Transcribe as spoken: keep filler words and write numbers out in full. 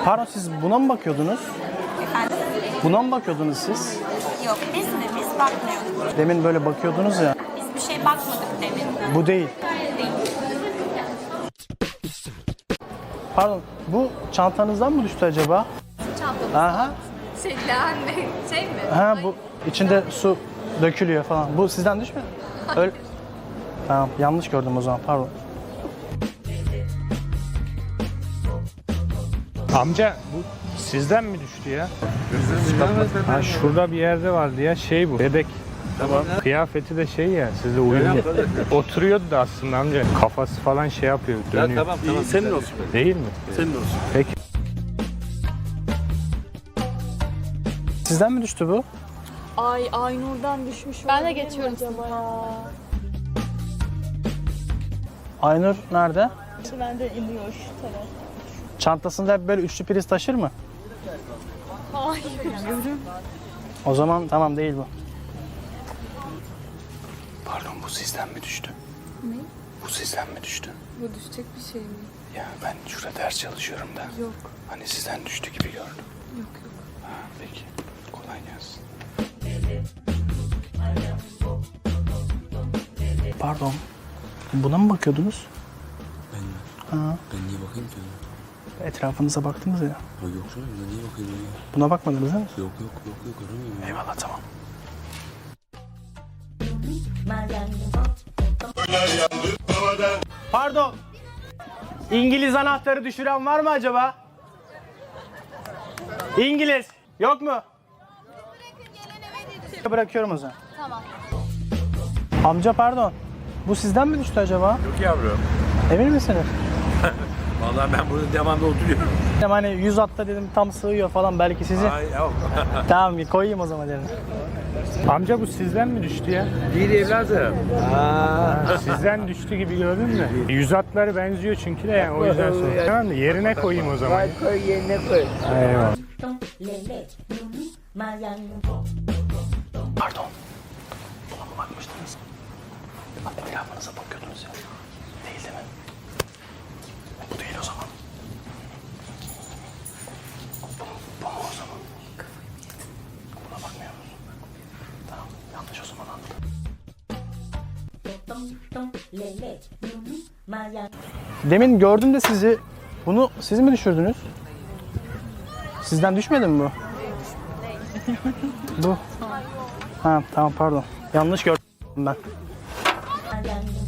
Pardon, siz buna mı bakıyordunuz? Efendim? Buna mı bakıyordunuz siz? Yok biz mi? Biz bakmıyorduk. Demin böyle bakıyordunuz ya. Biz bir şey bakmadık demin. Bu değil. Değil. Pardon, bu çantanızdan mı düştü acaba? Çantamız. Aha. Şey, leğen mi? Şey mi? Ha, bu içinde su dökülüyor falan. Bu sizden düşmedi? Öyle. Tamam, yanlış gördüm o zaman. Pardon. Amca bu sizden mi düştü ya? Ha, şurada bir yerde vardı ya, şey bu, bebek. Tamam. Kıyafeti de şey ya, sizle uyumlu. Oturuyordu da aslında amca. Kafası falan şey yapıyor, dönüyor. Ya tamam tamam. Senin olsun. Değil mi? Senin olsun. Peki. Sizden mi düştü bu? Ay Aynur'dan düşmüş. Ben de olabilir mi geçiyorum acaba ya? Aynur nerede? Ben de iniyor şu taraf. Çantasında hep böyle üçlü priz taşır mı? Hayır. O zaman tamam, değil bu. Pardon, bu sizden mi düştü? Ne? Bu sizden mi düştü? Bu düşecek bir şey mi? Ya ben şurada ders çalışıyorum da. Yok. Hani sizden düştü gibi gördüm. Yok yok. Ha, peki. Kolay gelsin. Pardon. Buna mı bakıyordunuz? Ben mi? Ha. Ben niye bakayım ki? Etrafınıza baktınız ya. Ha yok canım ben niye bakayım ya? Buna bakmadınız değil mi? Yok yok yok yok aramıyorum ya. Eyvallah, tamam. Pardon. İngiliz anahtarı düşüren var mı acaba? İngiliz. Yok mu? Bırakıyorum o zaman. Tamam. Amca pardon. Bu sizden mi düştü acaba? Yok yavrum. Emin misiniz? Vallahi ben burada devamlı oturuyorum. Dedim hani yüz atta dedim tam sığıyor falan, belki sizi. Ay yok. Tamam, koyayım o zaman dedim. Amca bu sizden mi düştü ya? Değil evladım. Sizden düştü gibi gördün mü? Yüz atları benziyor çünkü de yani, o yüzden sordum. Tamam mı? Yerine koyayım o zaman. Koy yerine koy. Eyvallah. Pardon. Buna mı bakmıştınız? Etrafınıza bakıyordunuz ya. Değil değil mi? Bu değil o zaman. Bu, bu mu o zaman? Buna bakmıyor musun? Tamam, yanlış o zaman anladım. Demin gördüm de sizi. Bunu siz mi düşürdünüz? Sizden düşmedi mi bu? Bu. Ha tamam, pardon. Yanlış gördüm ben.